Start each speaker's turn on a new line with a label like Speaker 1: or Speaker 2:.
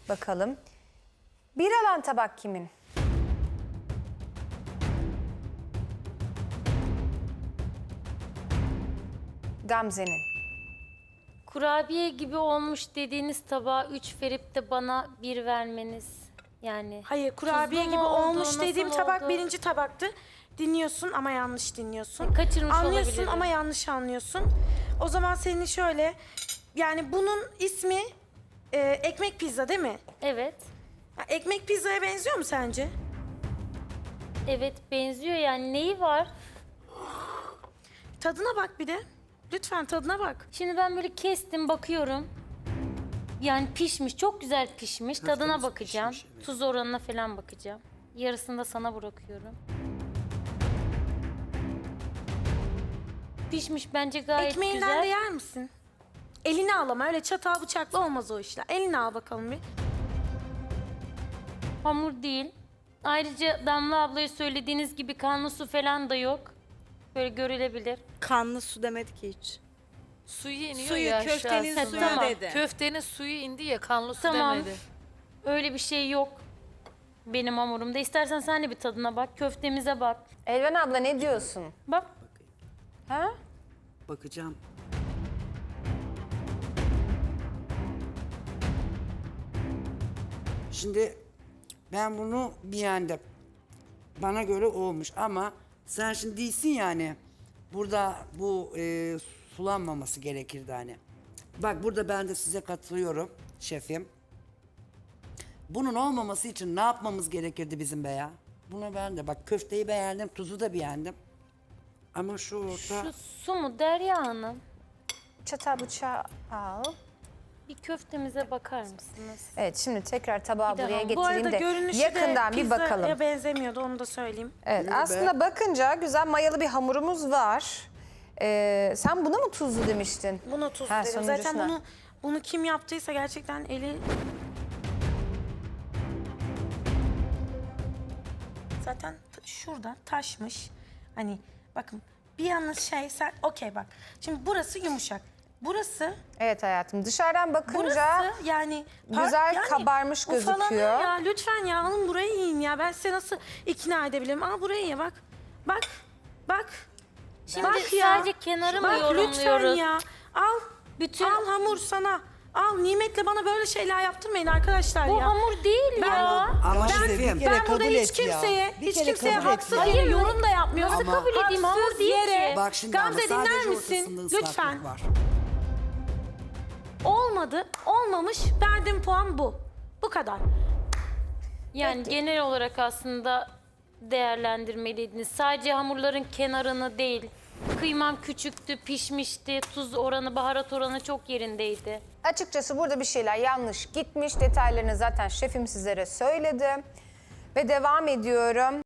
Speaker 1: Bakalım. Bir alan tabak kimin? Gamze'nin.
Speaker 2: Kurabiye gibi olmuş dediğiniz tabağa 3 verip de bana 1 vermeniz. Yani
Speaker 3: Hayır, kurabiye
Speaker 2: tuzlu
Speaker 3: gibi
Speaker 2: mu oldu,
Speaker 3: olmuş
Speaker 2: nasıl
Speaker 3: dediğim tabak
Speaker 2: oldu?
Speaker 3: birinci tabaktı. Dinliyorsun ama yanlış dinliyorsun.
Speaker 2: Kaçırmış
Speaker 3: Anlıyorsun
Speaker 2: olabilirim.
Speaker 3: ama yanlış anlıyorsun. O zaman senin şöyle, yani bunun ismi ekmek pizza değil mi?
Speaker 2: Evet.
Speaker 3: Ya, ekmek pizzaya benziyor mu sence?
Speaker 2: Evet benziyor yani neyi var?
Speaker 3: Tadına bak bir de. Lütfen tadına bak.
Speaker 2: Şimdi ben böyle kestim bakıyorum. Yani pişmiş, çok güzel pişmiş. Tadına bakacağım. Tuz oranına falan bakacağım. Yarısını da sana bırakıyorum. Pişmiş bence gayet
Speaker 3: Ekmeğinden
Speaker 2: güzel.
Speaker 3: de yer misin? Elini al ama öyle çatal bıçakla olmaz o işler. Elini al bakalım bir.
Speaker 2: Hamur değil. Ayrıca Damla ablaya söylediğiniz gibi kanlı su falan da yok. Böyle görülebilir.
Speaker 4: Kanlı su demedi ki hiç.
Speaker 5: Suyu iniyor
Speaker 4: Suyu,
Speaker 5: ya
Speaker 4: köftenin
Speaker 5: aşağısına.
Speaker 4: suyu
Speaker 2: Tamam.
Speaker 4: dedi.
Speaker 5: Köftenin suyu indi ya kanlı su
Speaker 2: Tamam.
Speaker 5: demedi.
Speaker 2: Öyle bir şey yok benim hamurumda. İstersen sen de bir tadına bak. Köftemize bak.
Speaker 1: Elvan abla ne diyorsun?
Speaker 2: Bak.
Speaker 1: Ha?
Speaker 6: Bakacağım. Şimdi ben bunu beğendim. Bana göre olmuş ama sen şimdi değilsin yani. Burada bu sulanmaması gerekirdi hani. Bak burada ben de size katılıyorum şefim. Bunun olmaması için ne yapmamız gerekirdi bizim be ya? Buna ben de bak köfteyi beğendim, tuzu da beğendim. Ama şu orta...
Speaker 2: Şu su mu Derya Hanım?
Speaker 1: Çatal bıçağı al.
Speaker 2: Bir köftemize bakar mısınız?
Speaker 1: Evet şimdi tekrar tabağı
Speaker 2: Bir daha.
Speaker 1: buraya
Speaker 3: Bu arada
Speaker 1: getireyim de
Speaker 3: görünüşü
Speaker 1: yakından
Speaker 3: de
Speaker 1: bir bakalım.
Speaker 3: pizzaya benzemiyordu, onu da söyleyeyim.
Speaker 1: Evet aslında bakınca güzel mayalı bir hamurumuz var. Sen buna mı tuzlu demiştin?
Speaker 3: Buna tuz
Speaker 1: Ha,
Speaker 3: dedim. Zaten
Speaker 1: sonuncusuna.
Speaker 3: bunu kim yaptıysa gerçekten eli... Zaten şurada taşmış. Hani bakın bir yalnız şey sen okey bak. Şimdi burası yumuşak. Burası
Speaker 1: Evet hayatım dışarıdan bakınca
Speaker 3: burası yani
Speaker 1: güzel kabarmış
Speaker 3: ufalanıyor
Speaker 1: gözüküyor.
Speaker 3: Ya lütfen ya alın burayı yiyin ya. Ben size nasıl ikna edebilirim? Al burayı ye bak. Bak. Bak.
Speaker 2: Şimdi
Speaker 3: Bak ya.
Speaker 2: sadece kenarı mı
Speaker 3: Bak lütfen
Speaker 2: yorumluyoruz?
Speaker 3: ya. Al.
Speaker 2: Bütün
Speaker 3: Al hamur sana. Al nimetle bana böyle şeyler yaptırmayın arkadaşlar
Speaker 2: bu
Speaker 3: ya.
Speaker 2: hamur değil
Speaker 3: Ben
Speaker 2: ya.
Speaker 6: Ama
Speaker 3: Ben-
Speaker 6: şefim.
Speaker 3: Ben burada hiç kimseye haksız yere yorum da yapmıyorum.
Speaker 2: Nasıl kabul edeyim? Hamur
Speaker 3: Haksız
Speaker 2: değil
Speaker 3: yere.
Speaker 2: ki.
Speaker 6: Bak şimdi ama
Speaker 3: Gamze dinler
Speaker 6: sadece
Speaker 3: misin?
Speaker 6: ortasında ıslaklık
Speaker 3: Lütfen.
Speaker 6: var.
Speaker 3: Olmadı, olmamış. Verdiğim puan bu. Bu kadar.
Speaker 2: Yani genel olarak aslında değerlendirmeliydiniz. Sadece hamurların kenarını değil. Kıymam küçüktü, pişmişti. Tuz oranı, baharat oranı çok yerindeydi.
Speaker 1: Açıkçası burada bir şeyler yanlış gitmiş. Detaylarını zaten şefim sizlere söyledi. Ve devam ediyorum.